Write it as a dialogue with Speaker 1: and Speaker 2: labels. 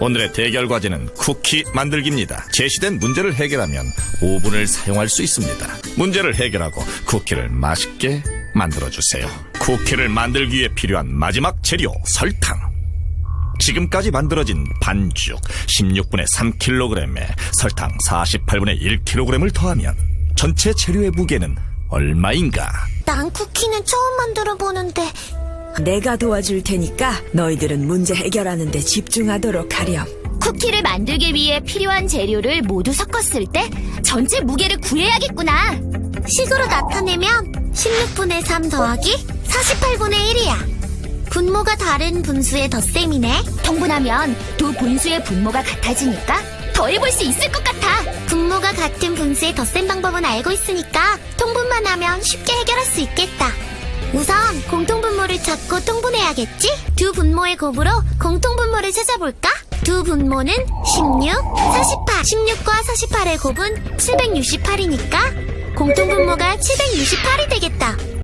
Speaker 1: 오늘의 대결 과제는 쿠키 만들기입니다. 제시된 문제를 해결하면 5분을 사용할 수 있습니다. 문제를 해결하고 쿠키를 맛있게 만들어주세요. 쿠키를 만들기 위해 필요한 마지막 재료 설탕. 지금까지 만들어진 반죽 16분의 3kg에 설탕 48분의 1kg을 더하면 전체 재료의 무게는 얼마인가?
Speaker 2: 난 쿠키는 처음 만들어 보는데.
Speaker 3: 내가 도와줄 테니까 너희들은 문제 해결하는데 집중하도록 하렴.
Speaker 2: 쿠키를 만들기 위해 필요한 재료를 모두 섞었을 때 전체 무게를 구해야겠구나. 식으로 나타내면 16분의 3 더하기 48분의 1이야. 분모가 다른 분수의 덧셈이네. 통분하면 두 분수의 분모가 같아지니까 더해볼 수 있을 것 같아. 분모가 같은 분수의 덧셈 방법은 알고 있으니까 통분만 하면 쉽게 해결할 수 있겠다. 우선 공통분모를 찾고 통분해야겠지? 두 분모의 곱으로 공통분모를 찾아볼까? 두 분모는 16, 48. 16과 48의 곱은 768이니까 공통분모가 768이 되겠다.